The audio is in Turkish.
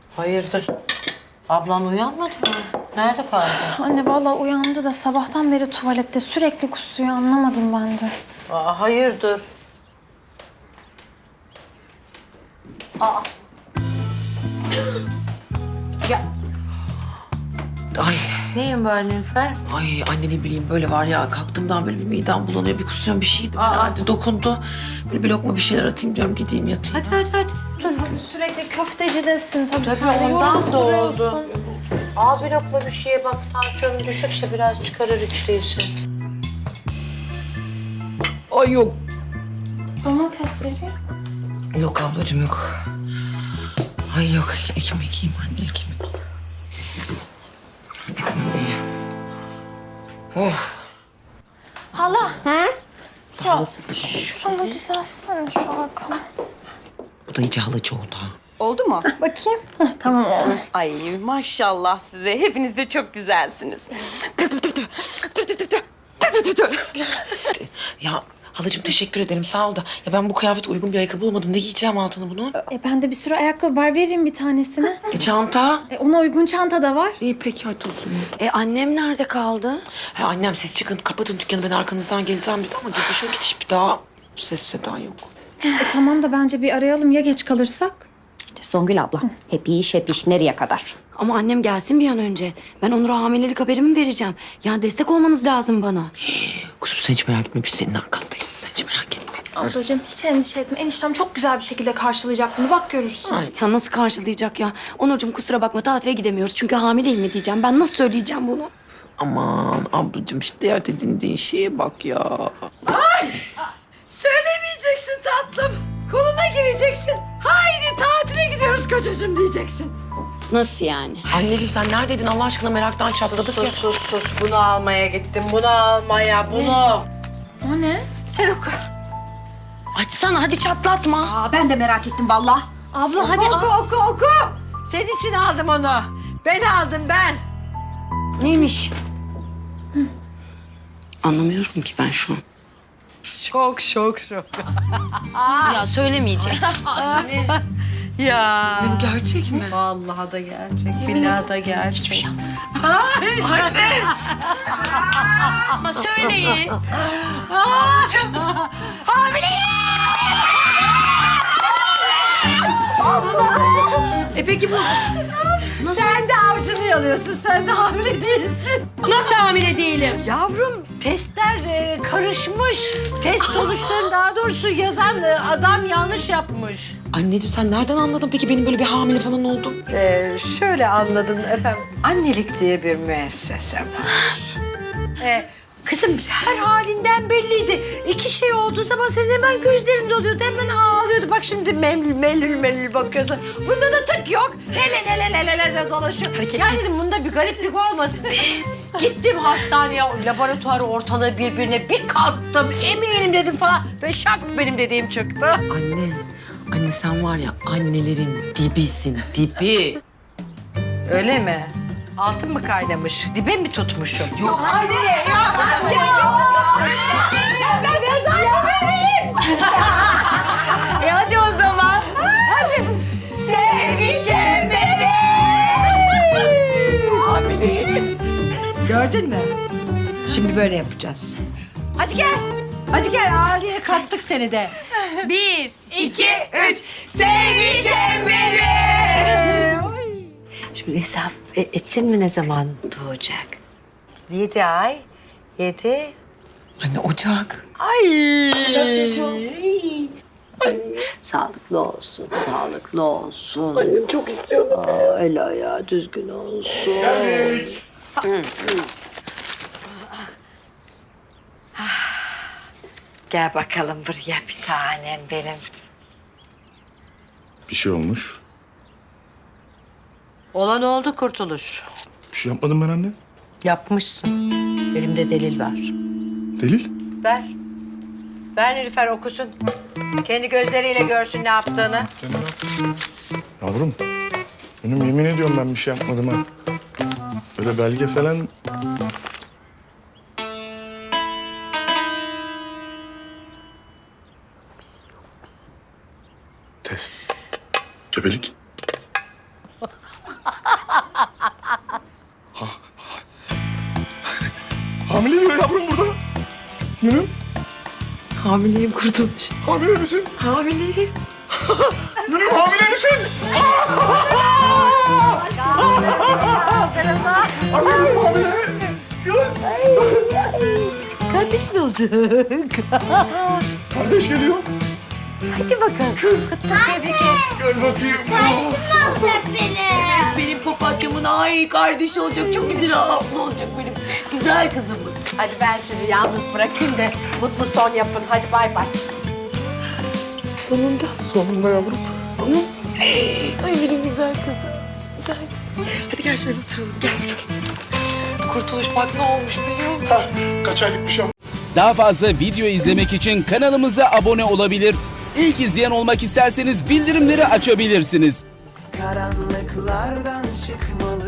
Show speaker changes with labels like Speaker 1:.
Speaker 1: Hayırdır? Ablan uyanmadı mı? Nerede kaldı?
Speaker 2: Anne vallahi uyandı da sabahtan beri tuvalette sürekli kusuyor, anlamadım ben de.
Speaker 1: Aa, hayırdır? Aa. Ya.
Speaker 3: Ay,
Speaker 1: Neyin var Nilüfer?
Speaker 3: ay anne ne bileyim böyle var ya kalktığımdan böyle bir midem bulanıyor, bir kusuyorum bir şeydi
Speaker 1: Aa.
Speaker 3: herhalde dokundu. Böyle bir lokma bir şeyler atayım diyorum gideyim yatayım.
Speaker 1: Hadi.
Speaker 2: Tabii sürekli köftecidesin tabii.
Speaker 1: Tabii
Speaker 2: sen de
Speaker 1: ondan
Speaker 2: yorulup
Speaker 1: da oldu.
Speaker 2: duruyorsun.
Speaker 1: Al bir lokma bir şeye bak. Tansiyonun düşükse biraz çıkarır hiç değilse.
Speaker 3: Ay yok.
Speaker 2: Domates vereyim.
Speaker 3: Yok ablacığım yok. Ay yok ekmek yiyeyim anne ekmek. Oh.
Speaker 2: Hala.
Speaker 3: Daha halasız.
Speaker 2: Şuranı düzelsene şu arkamı.
Speaker 3: Bu da iyice halacı oldu ha.
Speaker 4: Oldu mu?
Speaker 2: Bakayım. Tamam oldu.
Speaker 4: Ay maşallah size. Hepiniz de çok güzelsiniz.
Speaker 3: Ya halacığım teşekkür ederim sağ ol da. Ya ben bu kıyafete uygun bir ayakkabı bulamadım. Ne giyeceğim altına bunu?
Speaker 2: Bende bir sürü ayakkabı var, vereyim bir tanesini.
Speaker 3: Çanta.
Speaker 2: Ona uygun çanta da var.
Speaker 3: İyi peki hadi olsun.
Speaker 4: Annem nerede kaldı?
Speaker 3: Ha, annem siz çıkın kapatın dükkanı ben arkanızdan geleceğim dedi ama gidişe gidiş bir daha ses seda yok.
Speaker 2: Tamam da bence bir arayalım ya geç kalırsak.
Speaker 5: Songül abla, hep iş nereye kadar?
Speaker 6: Ama annem gelsin bir an önce. Ben Onur'a hamilelik haberimi vereceğim. Yani destek olmanız lazım bana.
Speaker 3: Kuzum sen hiç merak etme biz senin arkandayız. Sen hiç merak etme.
Speaker 2: Ablacığım hiç endişe etme. Eniştem çok güzel bir şekilde karşılayacak bunu. Bak görürsün.
Speaker 3: Ay,
Speaker 6: Ya nasıl karşılayacak ya? Onurcuğum kusura bakma tatile gidemiyoruz. Çünkü hamileyim mi diyeceğim. Ben nasıl söyleyeceğim bunu?
Speaker 3: aman ablacığım işte dert edindiğin şeye bak ya.
Speaker 7: Söylemeyeceksin tatlım. Koluna gireceksin. Haydi tatile gidiyoruz kocacığım diyeceksin.
Speaker 6: Nasıl yani?
Speaker 3: Anneciğim sen neredeydin Allah aşkına meraktan çatladık ya.
Speaker 1: Sus. Bunu almaya gittim. Bunu almaya. Bunu.
Speaker 2: O ne?
Speaker 7: Sen oku.
Speaker 6: Açsana hadi çatlatma.
Speaker 7: Aa, ben de merak ettim vallahi.
Speaker 2: Abla hadi
Speaker 7: Oku. Senin için aldım onu. Ben aldım ben.
Speaker 6: Neymiş? Anlamıyorum ki ben şu an.
Speaker 7: Şok.
Speaker 6: Ya söylemeyecek.
Speaker 7: Ya.
Speaker 3: Ne bu gerçek mi?
Speaker 1: Vallahi da gerçek. Billahi da gerçek. Hiçbir şey
Speaker 6: Ama söyleyin.
Speaker 7: Peki bu... Sen de avcını yalıyorsun. Sen de hamile değilsin.
Speaker 6: Nasıl hamile değilim?
Speaker 7: Yavrum testler karışmış. Test sonuçlarını daha doğrusu yazan adam yanlış yapmış.
Speaker 3: Anneciğim sen nereden anladın peki benim böyle bir hamile falan oldum?
Speaker 8: Şöyle anladım efendim. Annelik diye bir müessese var.
Speaker 7: Kızım her halinden belliydi. İki şey olduğu zaman senin hemen gözlerin doluyordu. Hemen ağlıyordu. Bak şimdi melül bakıyorsun. Bunda da tık yok. Hele dolaşıyor. Ya dedim bunda bir gariplik olmasın. Gittim hastaneye, laboratuvarı ortalığı birbirine bir kalktım. Eminim dedim falan. Ve şak benim dediğim çıktı.
Speaker 3: Anne sen var ya annelerin dibisin dibi.
Speaker 8: Öyle mi? Altın mı kaynamış? Dibe mi tutmuşum?
Speaker 3: Yok.
Speaker 7: Hadi o zaman. Hadi. Sevgilim benim. Gördün mü? Şimdi böyle yapacağız. Hadi gel. Hadi gel aileye kattık seni de.
Speaker 6: 1, 2, 3.
Speaker 7: Sevgilim benim.
Speaker 8: Şimdi hesap ettin mi ne zaman doğacak? 7 ay. 7.
Speaker 3: Anne ocak.
Speaker 8: Sağlıklı olsun, sağlıklı olsun. Annem çok istiyorum. El ayağı düzgün olsun. Gel bakalım buraya bir tanem benim.
Speaker 9: Bir şey olmuş.
Speaker 1: Olan oldu Kurtuluş.
Speaker 9: Bir şey yapmadım ben anne.
Speaker 1: Yapmışsın. Elimde delil var.
Speaker 9: Delil?
Speaker 1: Ver. Ver Nilüfer okusun. Kendi gözleriyle görsün ne yaptığını.
Speaker 9: Yavrum. Benim yemin ediyorum ben bir şey yapmadım ha. Öyle belge falan... Test. Gebelik. Hamile diyor yavrum burada. Gönül,
Speaker 3: Hamileyim Kurtuluş.
Speaker 9: hamile misin?
Speaker 3: Hamileyim.
Speaker 9: Gönül hamile misin? Annem hamile.
Speaker 8: Kardeşin olacak.
Speaker 9: Kardeş geliyor.
Speaker 8: Hadi bakalım. Kız.
Speaker 9: Gel bakayım.
Speaker 3: Benim papatyamın ay kardeşi olacak. Çok güzel abla olacak benim. Güzel kızım.
Speaker 1: Hadi ben sizi yalnız bırakayım da mutlu son yapın. Hadi bay bay.
Speaker 3: Sonunda.
Speaker 9: Sonunda yavrum.
Speaker 3: Ay benim güzel kızım. Güzel kızım. Hadi gel şöyle oturalım. Gel. Kurtuluş bak ne olmuş biliyor musun?
Speaker 9: Ha, kaç aylıkmış yavrum?
Speaker 10: Daha fazla video izlemek için kanalımıza abone olabilir. İlk izleyen olmak isterseniz bildirimleri açabilirsiniz.
Speaker 11: Karanlıklardan çıkmalı